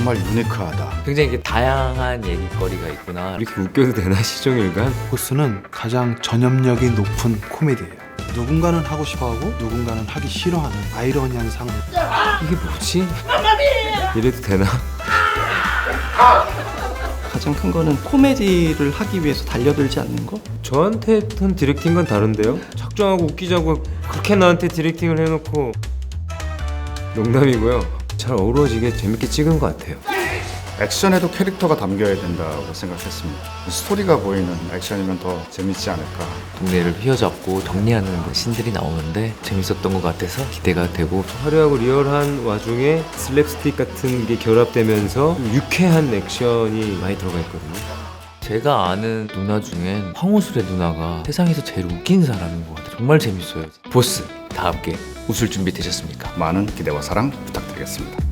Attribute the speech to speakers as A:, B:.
A: 정말 유니크하다.
B: 굉장히 이게 다양한 얘기거리가 있구나.
C: 이렇게 웃겨도 되나 시종일관?
D: 보스는 가장 전염력이 높은 코미디예요. 누군가는 하고 싶어하고 누군가는 하기 싫어하는 아이러니한 상황.
C: 이게 뭐지? 이래도 되나?
E: 가장 큰 거는 코미디를 하기 위해서 달려들지 않는 거?
C: 저한테 했던 디렉팅과는 다른데요? 작정하고 웃기자고 그렇게 나한테 디렉팅을 해놓고 농담이고요. 잘 어우러지게 재밌게 찍은 것 같아요.
A: 액션에도 캐릭터가 담겨야 된다고 생각했습니다. 스토리가 보이는 액션이면 더 재밌지 않을까.
B: 동네를 휘어잡고 정리하는 신들이 나오는데 재밌었던 것 같아서 기대가 되고.
C: 화려하고 리얼한 와중에 슬랩스틱 같은 게 결합되면서 유쾌한 액션이 많이 들어가 있거든요.
B: 제가 아는 누나 중엔 황우술의 누나가 세상에서 제일 웃긴 사람인 것 같아요. 정말 재밌어요. 보스 다 함께 웃을 준비 되셨습니까?
A: 많은 기대와 사랑 부탁드리겠습니다.